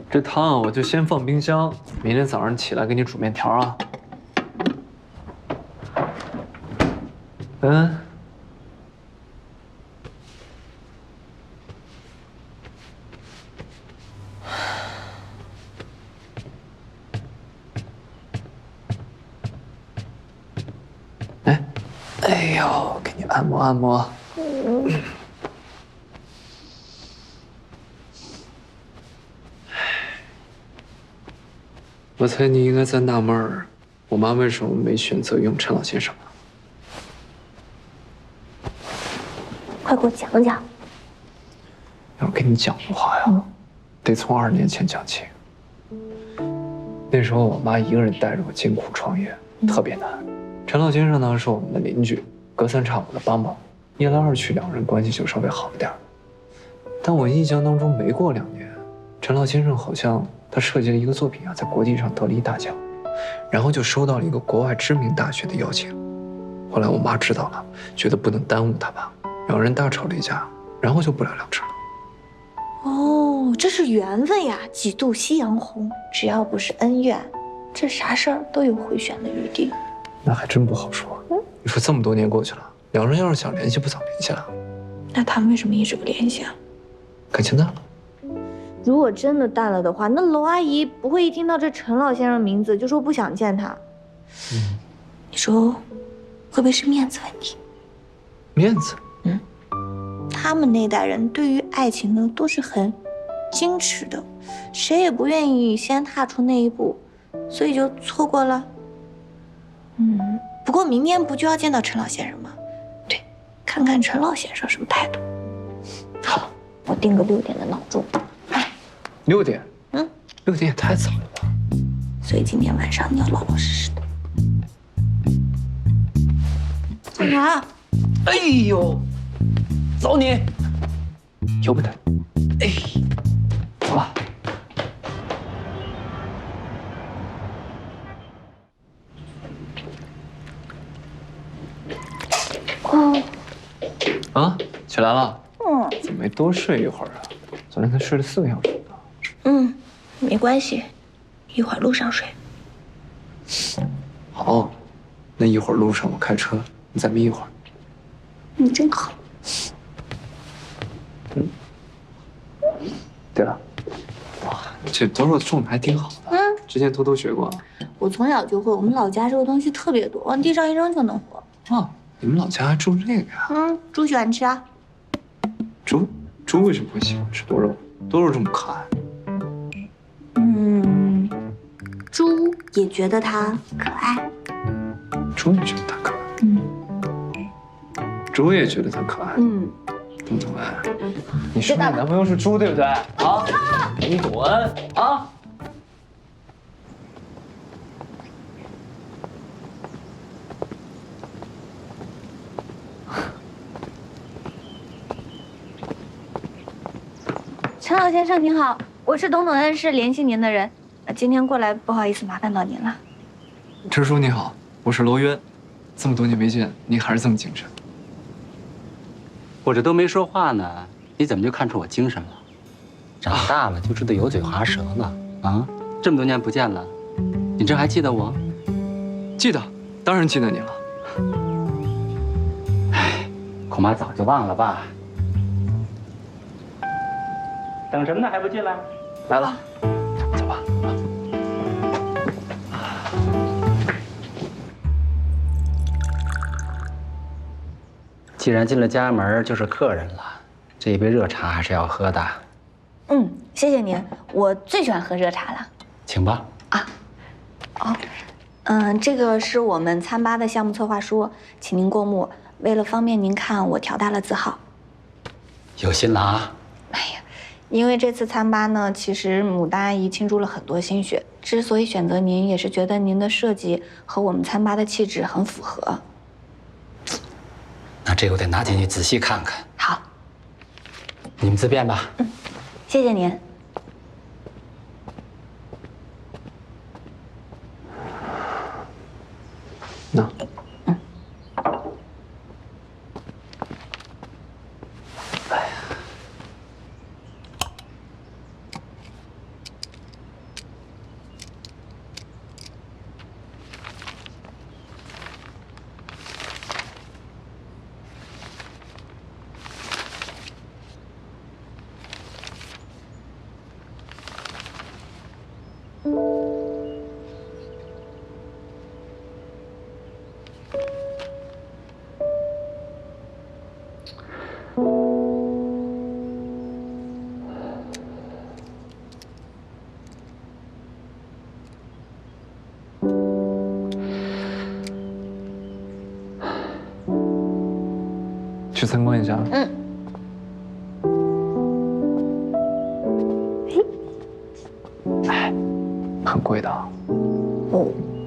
这汤我就先放冰箱，明天早上起来给你煮面条啊。嗯。哎，哎呦，给你按摩按摩。我猜你应该在纳闷儿，我妈为什么没选择用陈老先生。 快给我讲讲。 要跟你讲的话呀，得从2年前讲起。那时候我妈一个人带着我艰苦创业，特别难。陈老先生呢是我们的邻居，隔三差五的帮忙，一来二去，两人关系就稍微好一点。但我印象当中，没过2年，陈老先生好像他设计了一个作品啊，在国际上得了一大奖，然后就收到了一个国外知名大学的邀请。后来我妈知道了，觉得不能耽误他吧，两人大吵了一架，然后就不了了之了。 哦，这是缘分呀，几度夕阳红。只要不是恩怨，这啥事儿都有回旋的余地。 那还真不好说。你说这么多年过去了，两人要是想联系，不早联系了？ 那他们为什么一直不联系啊？ 感情淡了。 如果真的淡了的话，那娄阿姨不会一听到这陈老先生名字就说不想见他。你说会不会是面子问题？ 面子？ 他们那代人对于爱情呢都是很矜持的，谁也不愿意先踏出那一步，所以就错过了。不过明天不就要见到陈老先生吗？对，看看陈老先生什么态度。好，我定个6点的闹钟。 6点？6点也太早了吧？ 所以今天晚上你要老老实实的。干啥？ 哎呦，走你！由不得。哎，走吧。啊，起来了？怎么没多睡一会儿啊？昨天才睡了4个小时呢。 没关系，一会儿路上睡。 好，那一会儿路上我开车，你再眯一会儿。 你真好。 对了，哇，这多肉种的还挺好的。之前偷偷学过。 我从小就会，我们老家这个东西特别多，往地上一扔就能活。 啊，你们老家还种这个呀？ 猪喜欢吃啊。 猪为什么会喜欢吃多肉？多肉这么可爱。 猪也觉得它可爱。 猪也觉得它可爱。猪也觉得它可爱。东东哎，你说你男朋友是猪对不对？啊，你滚啊！ 陈老先生您好，我是董恩师联系您的人，今天过来不好意思麻烦到您了。 陈叔你好，我是罗渊，这么多年没见，你还是这么精神。 我这都没说话呢，你怎么就看出我精神了？长大了就知道油嘴滑舌了啊！这么多年不见了，你这还记得我？ 记得，当然记得你了。 哎，恐怕早就忘了吧。等什么呢？还不进来？ 来了，走吧。 既然进了家门，就是客人了，这一杯热茶还是要喝的。 谢谢您，我最喜欢喝热茶了。 请吧。 这个是我们餐吧的项目策划书，请您过目。为了方便您看，我调大了字号。 有心了啊！ 哎呀，因为这次餐吧呢，其实牡丹阿姨倾注了很多心血。之所以选择您，也是觉得您的设计和我们餐吧的气质很符合。 那这个我得拿进去仔细看看。 好， 你们自便吧。 谢谢您。 那。 去参观一下。 嗯。 哎，很贵的。 哦。